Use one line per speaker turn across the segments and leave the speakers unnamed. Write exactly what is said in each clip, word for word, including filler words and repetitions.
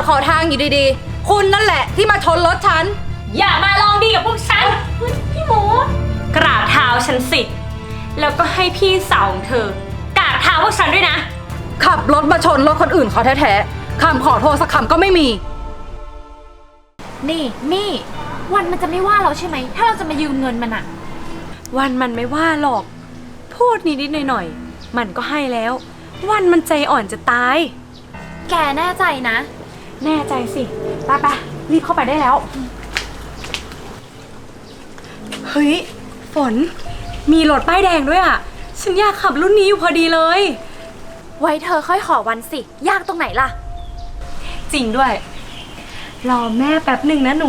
ขอทางอยู่ดีๆคุณนั่นแหละที่มาชนรถฉัน
อย่ามาลองดีกับพวกฉันพี่หมูกราบเท้าฉันสิแล้วก็ให้พี่สาวของเธอกราบเท้าพวกฉันด้วยนะ
ขับรถมาชนรถคนอื่นเขาแท้ๆคำขอโทษสักคำก็ไม่มี
นี่มี่วันมันจะไม่ว่าเราใช่ไหมถ้าเราจะมายืมเงินมันอะ
วันมันไม่ว่าหรอกพูดนิดๆหน่อยๆมันก็ให้แล้ววันมันใจอ่อนจะตาย
แกแน่ใจนะ
แน่ใจสิไปไปรีบเข้าไปได้แล้วเฮ้ยฝนมีรถป้ายแดงด้วยอ่ะฉันอยากขับรุ่นนี้อยู่พอดีเลย
ไว้เธอค่อยขอวันสิยากตรงไหนล่ะ
จริงด้วยรอแม่แป๊บหนึ่งนะหนู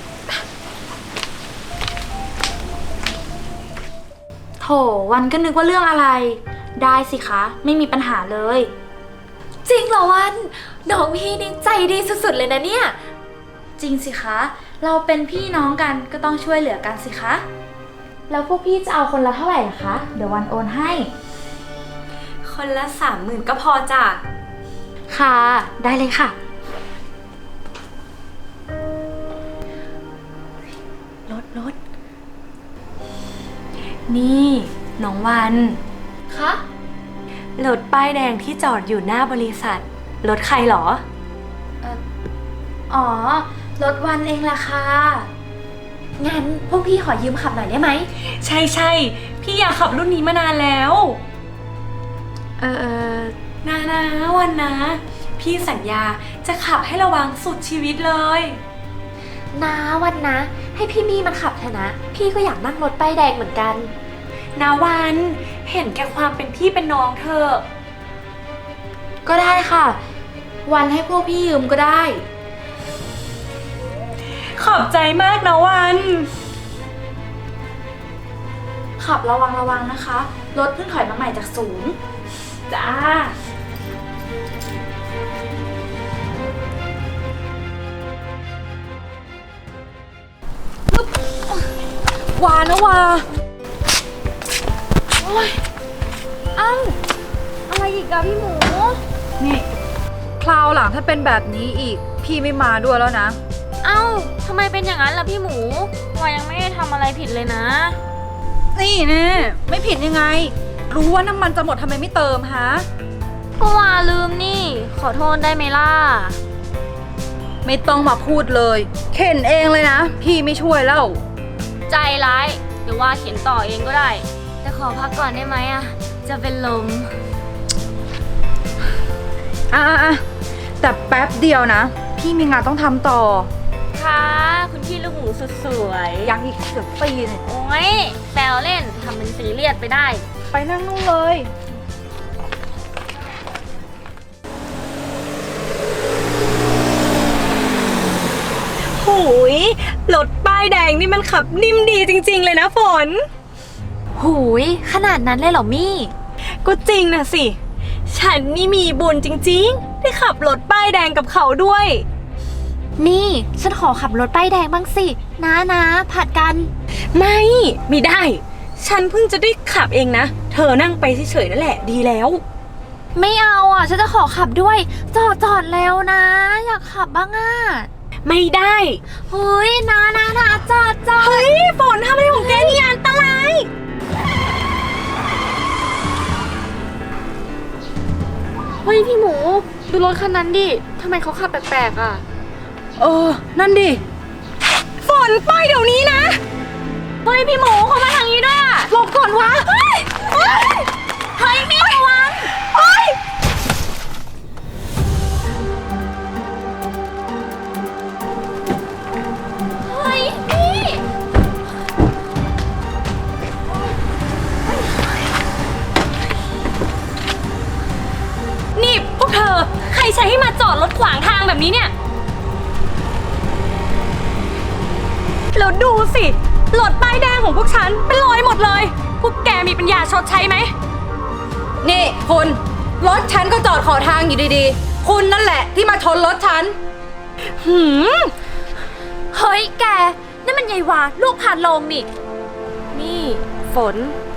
โถวันก็นึกว่าเรื่องอะไรได้สิคะไม่มีปัญหาเลยจริงเหรอวันน้องพี่นี่ใจดีสุดๆเลยนะเนี่ยจริงสิคะเราเป็นพี่น้องกันก็ต้องช่วยเหลือกันสิคะแล้วพวกพี่จะเอาคนละเท่าไหร่ล่ะคะเดี๋ยววันโอนให้
คนละสามหมื่นก็พอจ้ะ
ค่ะได้เลยค่ะ
รถรถนี่น้องวัน
คะ
รถป้ายแดงที่จอดอยู่หน้าบริษัทรถใครหรอ
เอ่ออ๋อรถวันเองล่ะค่ะงั้นพวกพี่ขอยืมขับหน่อยได้ไหม
ใช่ใช่พี่อยากขับรุ่นนี้มานานแล้วเออนานะวันนะพี่สัญญาจะขับให้ระวังสุดชีวิตเลย
นาวันนะให้พี่มี่มันขับเถอะนะพี่ก็อยากนั่งรถป้ายแดงเหมือนกัน
นาวันเห็นแก่ความเป็นพี่เป็นน้องเธอ
ก็ได้ค่ะวันให้พวกพี่ยืมก็ได้
ขอบใจมากนะวัน
ขับระวังระวังนะคะรถเพิ่งถอยมาใหม่จากศูนย์
จ้า
ว่านะว่า
โอ้ยเอ้าอะไรอีกอะพี่หมู
นี่คราวหลังถ้าเป็นแบบนี้อีกพี่ไม่มาด้วยแล้วนะ
เอ้าทำไมเป็นอย่างนั้นล่ะพี่หมูวายังไม่ได้ทำอะไรผิดเลยนะ
นี่แน่ไม่ผิดยังไงรู้ว่าน้ำมันจะหมดทำไมไม่เติมฮะ
ก็วาลืมนี่ขอโทษได้ไหมล่ะ
ไม่ต้องมาพูดเลยเข็นเองเลยนะพี่ไม่ช่วยแล้ว
ใจร้ายเดี๋ยวว่าเข็นต่อเองก็ได้แต่ขอพักก่อนได้ไหมอะจะเป็นลม
อ่ะอ่ะแต่แป๊บเดียวนะพี่มีงานต้องทำต่อ
ค่ะคุณพี่ลูกหมูสุดสวย
ยังอีกเกือบปีเนี่ย
โอ้ยแซวเล่นทำเป็นซีเรียสไปได้
ไปนั่งนู่นเลย
หูยรถป้ายแดงนี่มันขับนิ่มดีจริงๆเลยนะฝน
หูยขนาดนั้นเลยเหรอมี่
ก็จริงนะสิฉันนี่มีบุญจริงๆได้ขับรถป้ายแดงกับเขาด้วย
นี่ฉันขอขับรถป้ายแดงบ้างสินะนะผัดกัน
ไม่ไม่ได้ฉันเพิ่งจะได้ขับเองนะเธอนั่งไปเฉยๆนั่นแหละดีแล้ว
ไม่เอาอ่ะฉันจะขอขับด้วยจอดจอดแล้วนะอยากขับบ้างอ่ะ
ไม่ได้
เฮ้ยนะนะนะจอดจอด
เฮ้ยฝนทำอะไรของแกนี่อันตราย
เฮ้ยพี่หมูดูรถคันนั้นดิทำไมเขาขับแปลกๆอ่ะ
เออนั่นดิ
ฝนไปเดี๋ยวนี้นะ
เฮ้ยพี่หมูเขามาทางนี้ด้วยอ่ะ
หลบก่อนวะ
เฮ้ยเฮ้ยเฮ้ยมีระวัง
เฮ้ย
เฮ้ยพี่
นี่พวกเธอใครใช้ให้มาจอดรถขวางทางแบบนี้เนี่ยแล้วดูสิรถป้ายแดงของพวกฉันเป็นรอยหมดเลยพวกแกมีปัญญาชดใช้ไหม
นี่คุณรถฉันก็จอดขอทางอยู่ดีๆคุณนั่นแหละที่มาชนรถฉัน
หืม
เฮ้ยแกนั่นมันยายวาลูกพานลงนี่
นี่ฝน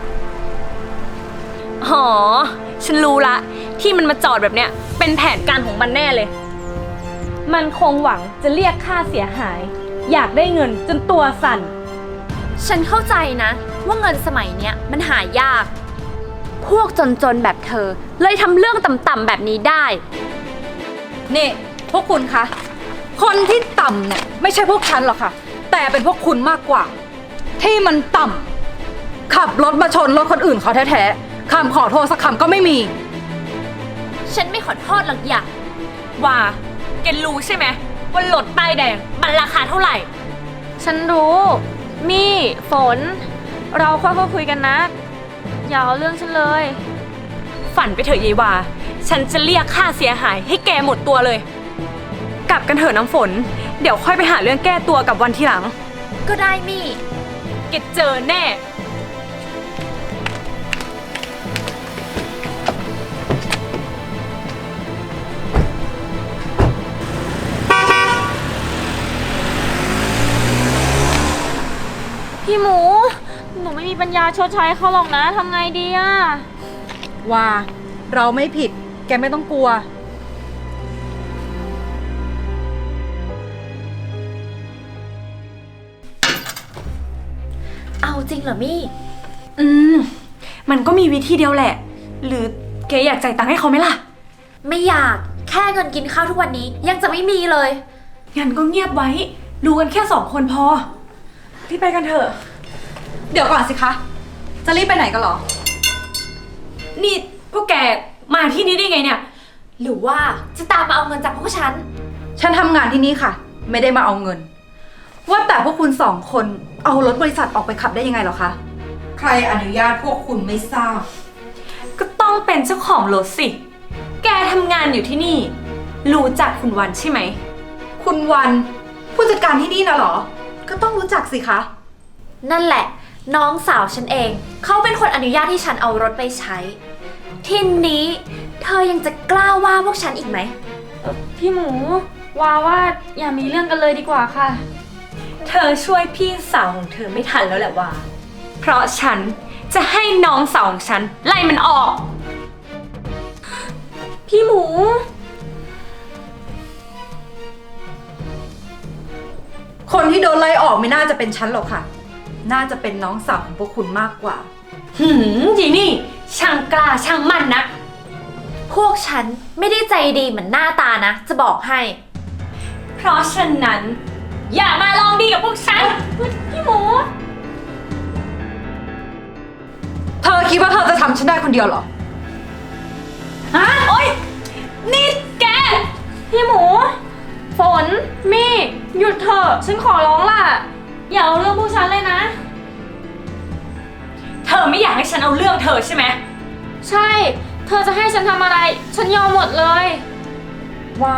อ๋อฉันรู้ละที่มันมาจอดแบบเนี้ยเป็นแผนการของมันแน่เลยมันคงหวังจะเรียกค่าเสียหาย อยากได้เงินจนตัวสั่น
ฉันเข้าใจนะว่าเงินสมัยเนี้ยมันหายาก พวกจนๆแบบเธอเลยทำเรื่องต่ำๆแบบนี้ได้
นี่พวกคุณคะ คนที่ต่ำเนี่ยไม่ใช่พวกฉันหรอกค่ะ แต่เป็นพวกคุณมากกว่า ที่มันต่ำขับรถมาชนรถคนอื่นเขาแท้ๆคำขอโทษสักคำก็ไม่มี
ฉันไม่ขอโทษหรอกอย่า
ว่าแกรู้ใช่ไหมว่ารถป้ายแดงมันราคาเท่าไหร่
ฉันรู้ มี่ฝน เราค่อยๆคุยกันนะ อย่าเอาเรื่องฉันเลย
ฝันไปเถอะยายวาฉันจะเรียกค่าเสียหายให้แกหมดตัวเลย กลับกันเถอะน้ำฝน เดี๋ยวค่อยไปหาเรื่องแก้ตัวกับวันทีหลัง
ก็ได้มี่
แกเจอแน่
พี่หมู หนูไม่มีปัญญาชดใช้เขาหรอกนะทำไงดีอะ
ว่าเราไม่ผิด แกไม่ต้องกลัว
เอาจริงเหรอมี่
อืม มันก็มีวิธีเดียวแหละ หรือแกอยากจ่ายตังค์ให้เขาไหมล่ะ
ไม่อยากแค่เงินกินข้าวทุกวันนี้ยังจะไม่มีเลย
งั้นก็เงียบไว้ ดูกันแค่สองคนพอ รีบไปกันเถอะ
เดี๋ยวก่อนสิคะ จะรีบไปไหนกันเหรอ
นี่พวกแกมาที่นี่ได้ไงเนี่ย
หรือว่าจะตามมาเอาเงินจากพวกฉัน
ฉันทำงานที่นี่ค่ะ ไม่ได้มาเอาเงิน ว่าแต่พวกคุณสองคนเอารถบริษัทออกไปขับได้ยังไงเหรอคะ ใครอนุญาตพวกคุณไม่ทราบ
ก็ต้องเป็นเจ้าของรถสิ แกทำงานอยู่ที่นี่ รู้จักคุณวันใช่ไหม
คุณวันผู้จัดการที่นี่นะเหรอ ก็ต้องรู้จักสิคะ
นั่นแหละ น้องสาวฉันเอง เขาเป็นคนอนุญาตให้ฉันเอารถไปใช้ ทีนี้เธอยังจะกล้าว่าพวกฉันอีกไหม
พี่หมูว่าว่าอย่ามีเรื่องกันเลยดีกว่าค่ะ
เธอช่วยพี่สาวของเธอไม่ทันแล้วแหละว่า เพราะฉันจะให้น้องสาวของฉันไล่มันออก
พี่หมู
คนที่โดนไล่ออกไม่น่าจะเป็นฉันหรอกค่ะ น่าจะเป็นน้องสาวของพวกคุณมากกว่า
หืมยีนี่ช่างกล้าช่างมั่นนะ
พวกฉันไม่ได้ใจดีเหมือนหน้าตานะ จะบอกให้
เพราะฉะนั้น อย่ามาลองดีกับพวกฉัน
พี่หมู
เธอคิดว่าเธอจะทำฉันได้คนเดียวเหรอ
ฮะ โอ๊ย นี่แก
พี่หมู ฝน มี่ หยุดเถอะ ฉันขอร้องล่ะ อย่าเอาเรื่องพวกฉันเลยนะ
เธอไม่อยากให้ฉันเอาเรื่องเธอใช่ไหม
ใช่ เธอจะให้ฉันทำอะไร ฉันยอมหมดเลย
ว่า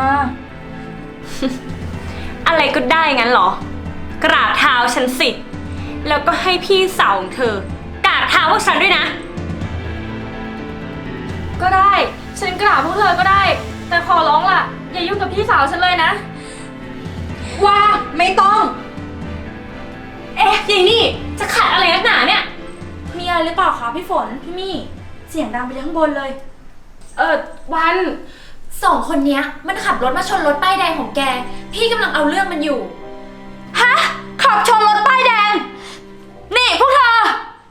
อะไรก็ได้งั้นเหรอ กราบเท้าฉันสิ แล้วก็ให้พี่สาวของเธอกราบเท้าพวกฉันด้วยนะ
ก็ได้ ฉันกราบพวกเธอก็ได้ แต่ขอร้องล่ะ อย่ายุ่งกับพี่สาวฉันเลยนะ
ว่าไม่ต้อง
เอ๊ะยายนี่จะขัดอะไรนักหนาเนี่ย
มีอะไรหรือเปล่าคะพี่ฝน พี่มี่ เสียงดังไปทั้งบนเลย เออวัน
สองคนเนี้ยมันขับรถมาชนรถป้ายแดงของแก พี่กำลังเอาเรื่องมันอยู่
ฮะ ขับชนรถป้ายแดง นี่พวกเธอ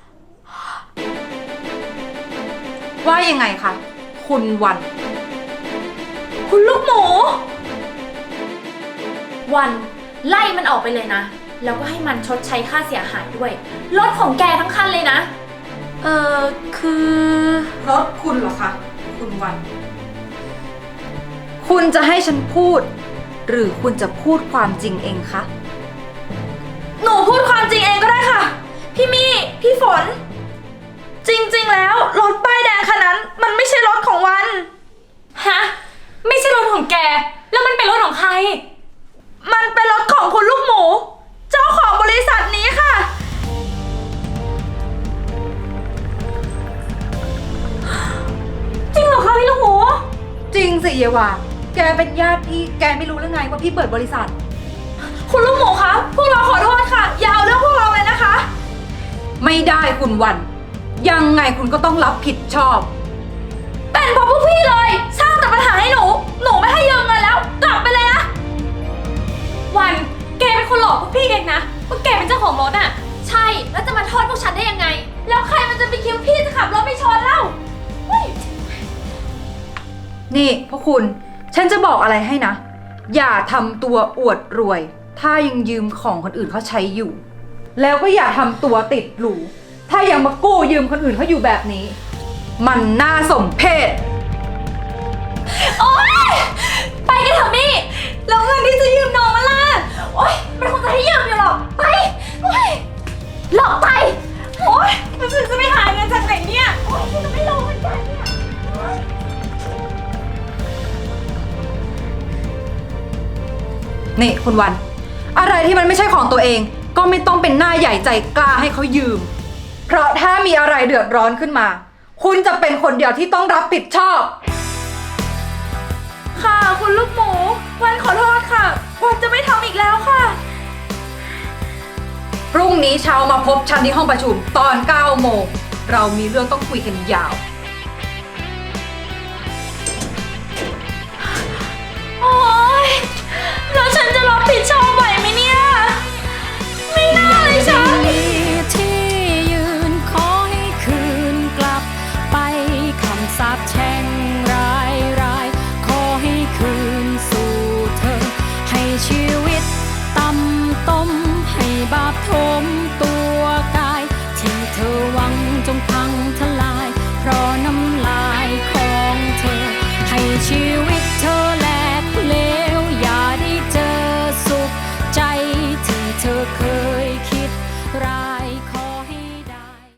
ว่ายังไงคะ คุณวัน
คุณลูกหมู
วันไล่มันออกไปเลยนะ แล้วก็ให้มันชดใช้ค่าเสียหายด้วย รถของแกทั้งคันเลยนะ
เออคือ
รถคุณเหรอคะ คุณวัน คุณจะให้ฉันพูด หรือคุณจะพูดความจริงเองคะ
หนูพูดความจริงเองก็ได้ค่ะ พี่มี่ พี่ฝน จริงๆ แล้วรถป้ายแดงคันนั้น มันไม่ใช่รถของวัน
ฮะ ไม่ใช่รถของแก แล้วมันเป็นรถของใคร
มันเป็นรถของคุณลูกหมู เจ้าของบริษัทนี้ค่ะ จริงเหรอคะพี่ลูกหมู
จริงสิเยวา แกเป็นญาติพี่ แกไม่รู้หรือไงว่าพี่เปิดบริษัท
คุณลูกหมูคะ พวกเราขอโทษค่ะ อย่าเอาเรื่องพวกเราเลยนะคะ
ไม่ได้คุณวัน ยังไงคุณก็ต้องรับผิดชอบ
เป็นเพราะพวกพี่เลย สร้างแต่ปัญหาให้หนู หนูไม่ให้ยืมเงินแล้ว กลับไปเลยนะ
โทษพวกฉันได้ยังไง แล้วใครมันจะไปคิดว่าพี่จะขับรถไปชนเล่าเฮ้ย
นี่พวกคุณ ฉันจะบอกอะไรให้นะ อย่าทำตัวอวดรวย ถ้ายังยืมของคนอื่นเขาใช้อยู่ แล้วก็อย่าทำตัวติดหรู ถ้ายังมากู้ยืมคนอื่นเขาอยู่แบบนี้ มันน่าสมเพช
โอ๊ย ไปกันเถอะมี่แล้วเงินที่จะยืมน้องมันล่ะ โอ๊ย มันคงจะให้ยืมอยู่หรอก ไป โอ๊ย หลอกไป โอ๊ยแล้วฉันจะไปหาเงินจากไหนเนี่ย โอ๊ยฉันจะไม่รู้เหมือนกันเนี่ย
นี่คุณวัน อะไรที่มันไม่ใช่ของตัวเอง ก็ไม่ต้องเป็นหน้าใหญ่ใจกล้าให้เขายืม เพราะถ้ามีอะไรเดือดร้อนขึ้นมา คุณจะเป็นคนเดียวที่ต้องรับผิดชอบ
ค่ะคุณลูกหมู วันขอโทษค่ะ วันจะไม่ทำอีกแล้วค่ะ
พรุ่งนี้เช้ามาพบฉันที่ห้องประชุมตอนเก้าโมง เรามีเรื่องต้องคุยกันยาว
โอ๊ย แล้วฉันจะรับผิดชอบ